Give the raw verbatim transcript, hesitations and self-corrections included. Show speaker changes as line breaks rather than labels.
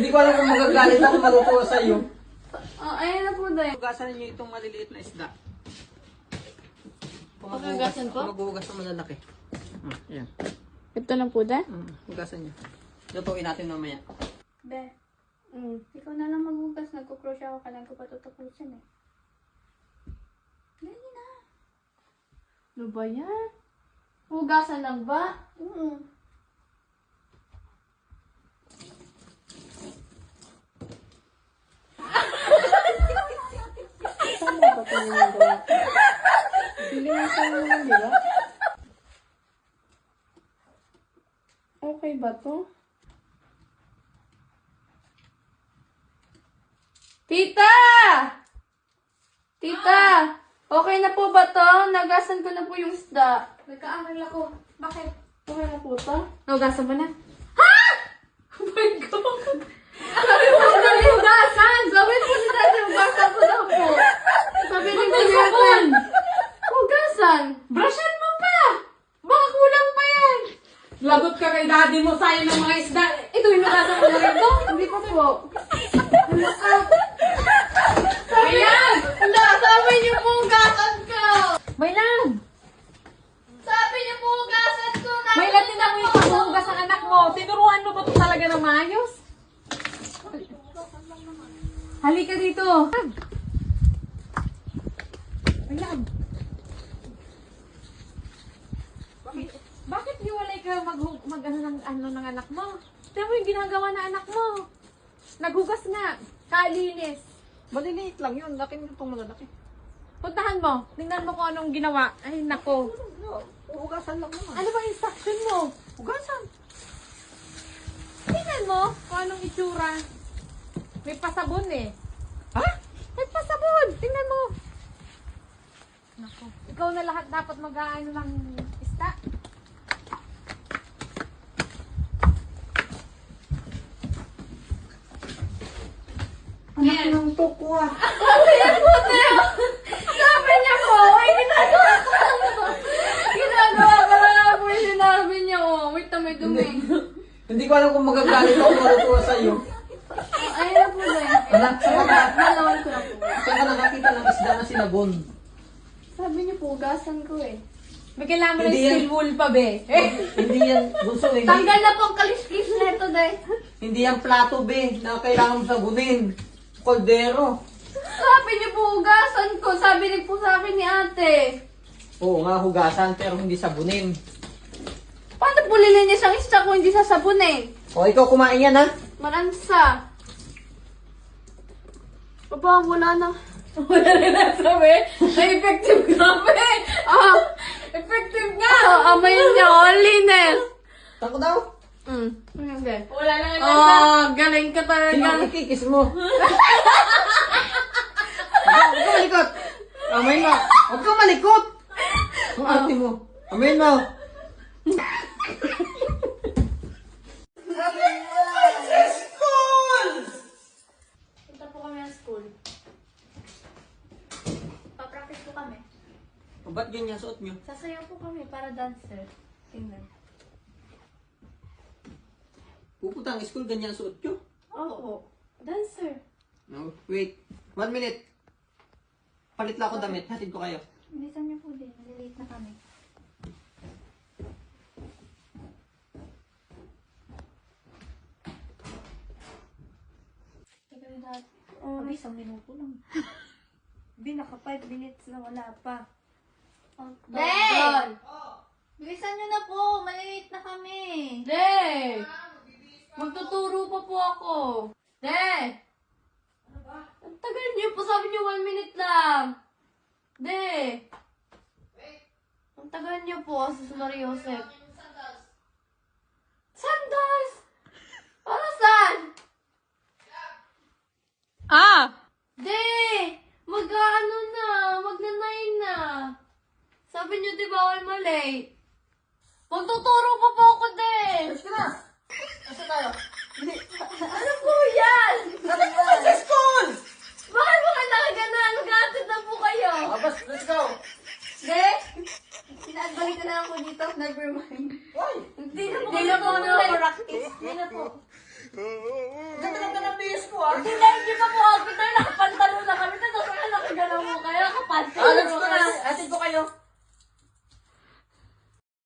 Hindi ko alam kung magagalit ako matutuwa sa iyo.
Oh, ayan na po dahil.
Hugasan niyo itong maliliit na isda. Kung
Paghugasan
maghuhugas-
ko?
Kung maghuhugas ng malalaki. Hmm, ayan.
Ito na po dahil?
Hmm, hugasan niyo. Lutuin natin mamaya.
Be,
Mm.
ikaw na lang maghugas. Nagkukrosya ako. Kailan ko pa tutapusin eh. Dali na.
Ano ba yan? Hugasan lang ba?
Oo.
Tama ba ito yung gawa ko? Linisan mo lang, di ba? Okay ba to? Tita! Tita! Okay na po ba to? Nagasan ko na po yung isda.
Nagkaamal ako. Bakit?
Okay na po to? Nagasan mo na? Ha?! Oh my God! Sabi mo si Tati hugasan! Sabi mo si Tati hugasan ko na po. Sabi ni Kuya hugasan! Brushan mo pa! Baka kulang pa yan!
Lagot ka kay daddy mo sa'yo ng mga isda. Ito yung nagasa ko na rin to.
Hindi pa po.
Ayan!
Wala, sabi niyo po hugasan ko!
May lang!
Sabi niyo po hugasan ko!
May lang tinan mo yung paghuhugas ng anak mo. Tinuruan mo ba ito talaga ng maayos? Halika dito. May lang. Bakit, bakit hiwalay ka mag, mag ano, ng, ano ng anak mo? Tignan mo yung ginagawa ng anak mo. Naghugas nga. Kalinis.
Maliliit lang yun. Laki nyo itong malalaki.
Puntahan mo. Tingnan mo kung anong ginawa. Ay, nako.
Hugasan lang naman.
Ano ba instruction mo?
Hugasan.
Tingnan mo kung anong itsura. May pasabon eh.
Ha?
May pasabon. Tingnan mo. Nako. Ikaw na lahat dapat mag-aano ng isda.
Anak ng tukwa.
Sabi niya po, ay ginagawa ko lang po. Ginagawa ko lang po yung sinabi niya. Oh, wait na may dumi.
Hindi ko alam kung magagalit ako matutuwa sa iyo.
Oh, ayun na po dahil.
Anak, saan ka na-
Nalawan ko na po.
saan ka nakakita ng isda na sinabon?
Sabi niyo po, hugasan ko eh.
May kailangan mo ng
Hindi yan.
steel wool pa, be. Eh.
Hindi yan, bunso, hindi,
Tanggal na po ang kalis-kalis na ito dahil.
hindi yan plato, be, na kailangan mo sabunin. Koldero.
Sabi niyo po, hugasan ko. Sabi niyo po sa akin ni ate.
Oo nga, hugasan, pero hindi sabunin.
Paano po lilinis ang isda kung hindi sasabunin?
O, ikaw kumain yan, ha?
Maransa. Baba, wala na.
Wala rin nasabi. Ay, effective ka, be.
Ah,
Effective nga.
ah, amay niya, oh, linis.
Tako daw.
Mm. Hindi.
Wala na nga
Oh, galing ka
Sino
talaga.
ang ikikis mo? Huwag ka malikot. Amayin mo. Huwag ka malikot. Ang ate mo. Amayin mo.
Punta po kami ng school. Papractice po kami.
O, ba't ganyan suot nyo?
Sasayaw po kami para dancer. Tingnan.
Pupunta ang school, ganyan suot nyo?
Oo. Dancer.
No, wait. One minute. Palit lang ako damit. Hatid ko kayo.
Bilisan niyo po din. Malilate na kami. Ikaw yung dati. Oh, isang minuto lang. Di, naka five minutes na wala pa. Oh,
Day!
Bilisan niyo na po. Malilate na kami.
De! Magtuturo pa po ako. De! Ang tagal niyo po. Sabi niyo one minute lang. De! Ang tagal niyo po. Sus Maria Josep. Sandals! Para saan?
Ah!
De! Mag-ano na. Magna-nine na. Sabi niyo di bawal malate. Magtuturo pa po ako, De!
Alis ka na. Asa tayo? Hindi.
Ano po yan?
Hatid ko kayo sa school!
Bakit mo kailangan ganun? Mag-atid na po kayo.
Abas, let's go.
De? Sinabalik ko na lang po dito. Never mind.
Why?
Hindi na po. Hindi na po na practice.
Hindi na po.
Ganda-ganda na
ko ah. Hindi na, hindi pa po outfit tayo. Nakapantalo na kami. Tapos nakagalaw mo kayo. Nakapantalo
Alam ko
mo
na.
kayo.
Atid ko kayo.